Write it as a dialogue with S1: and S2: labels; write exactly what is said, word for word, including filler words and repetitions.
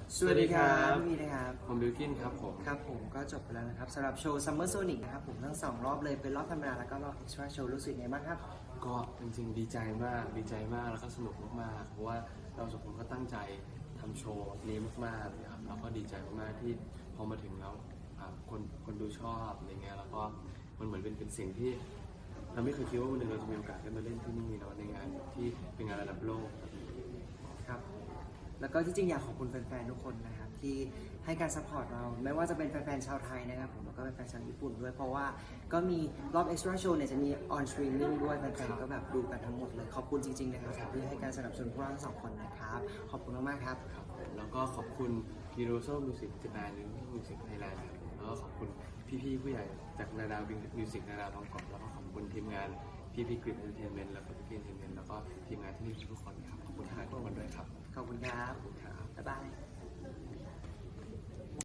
S1: สวัสดีครับพี่นะครับ
S2: ผมบิวกินครับผม
S1: ครับผมก็จบไปแล้วนะครับสำหรับโชว์ Summer Sonic นะครับผมทั้งสองรอบเลยเป็นรอบธรรมดาแล้วก็รอบ Extra Show รู้สึกไงบ้างครับ
S2: ก็จริงๆดีใจมากดีใจมากแล้วก็สนุกมากๆเพราะว่าเราสองคนก็ตั้งใจทำโชว์นี้มากๆนะครับเราก็ดีใจมากๆที่พอมาถึงแล้วคนคนดูชอบอะไรเงี้ยแล้วก็มันเหมือนเป็นเป็นสิ่งที่เราไม่เคยคิดว่าวันหนึ่งเราจะมีโอกาสได้มาเล่นที่นี่เนาะในงานที่เป็นงานระดับโลก
S1: ครับแล้วก็ที่จริงอยากขอบคุณแฟนๆทุกคนนะครับที่ให้การซัพพอร์ตเราไม่ว่าจะเป็นแฟนๆชาวไทยนะครับผมแล้วก็แฟนๆชาวญี่ปุ่นด้วยเพราะว่าก็มีรอบ Extra Show เนี่ยจะมี on streaming ด้วยแฟนๆก็แบบดูกันทั้งหมดเลยขอบคุณจริงๆนะครับที่ให้การสนับสนุนพวกเราทั้งสองคนนะครับขอบคุณมากๆครับ
S2: ครับแล้วก็ขอบคุณ Universal Music Japan หรือ Music Thailand ครับแล้วก็ขอบคุณพี่ๆผู้ใหญ่จากนาดาวมิวสิกนาดาวบางกอกแล้วก็ขอบคุณทีมงานพี่พี่กริปเอนเตอร์เทนเมนต์แล้วก็พี่เอนเตอร์เทนเมนต์แล้วก็ทีมงานที่นี่ทุกคนครับขอบคุณทางทุกคนด้วยครับ
S1: ขอบคุณครับ
S2: ขอบคุณครับ
S1: บ๊ายบาย